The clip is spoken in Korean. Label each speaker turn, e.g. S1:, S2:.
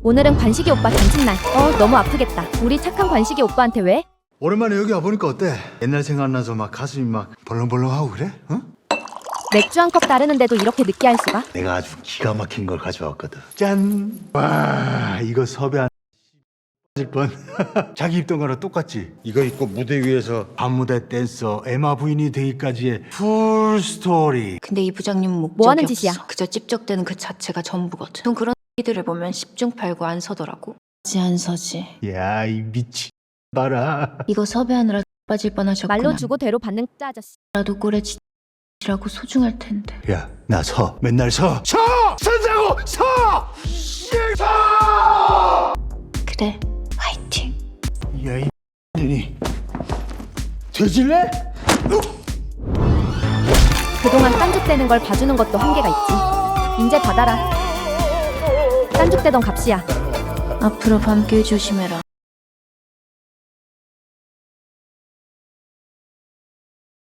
S1: 오늘은 관식이 오빠 잔칫날. 너무 아프겠다. 우리 착한 관식이 오빠한테 왜?
S2: 오랜만에 여기 와보니까 어때? 옛날 생각나서 막 가슴이 막 벌렁벌렁하고 그래? 응?
S1: 맥주 한 컵 따르는데도 이렇게 느끼할 수가?
S2: 내가 아주 기가 막힌 걸 가져왔거든. 짠! 와, 이거 섭외 안 빠질 뻔. 자기 입던 거랑 똑같지? 이거 입고 무대 위에서 밤무대 댄서 에마 부인이 되기까지의 풀 스토리.
S3: 근데 이 부장님 목적이
S1: 뭐 하는
S3: 없어.
S1: 짓이야?
S3: 그저 찝적대는 그 자체가 전부거든. 전 그런 이들을 보면 10중 8구 안 서더라고. 안 서지.
S2: 야, 이 미친 봐라.
S3: 이거 섭외하느라 빠질 뻔하셨구나.
S1: 말로 주고 대로 받는 짜 아저씨.
S3: 라도 꼴에 지라고 소중할 텐데.
S2: 야, 나 서. 맨날 서. 서! 서자고! 서! 서!
S3: 그래, 화이팅.
S2: 야, 이 년이 되질래?
S1: 그동안 딴죽대는 걸 봐주는 것도 한계가 있지. 인제 받아라. 딴죽대던 값이야.
S3: 앞으로 밤길 조심해라.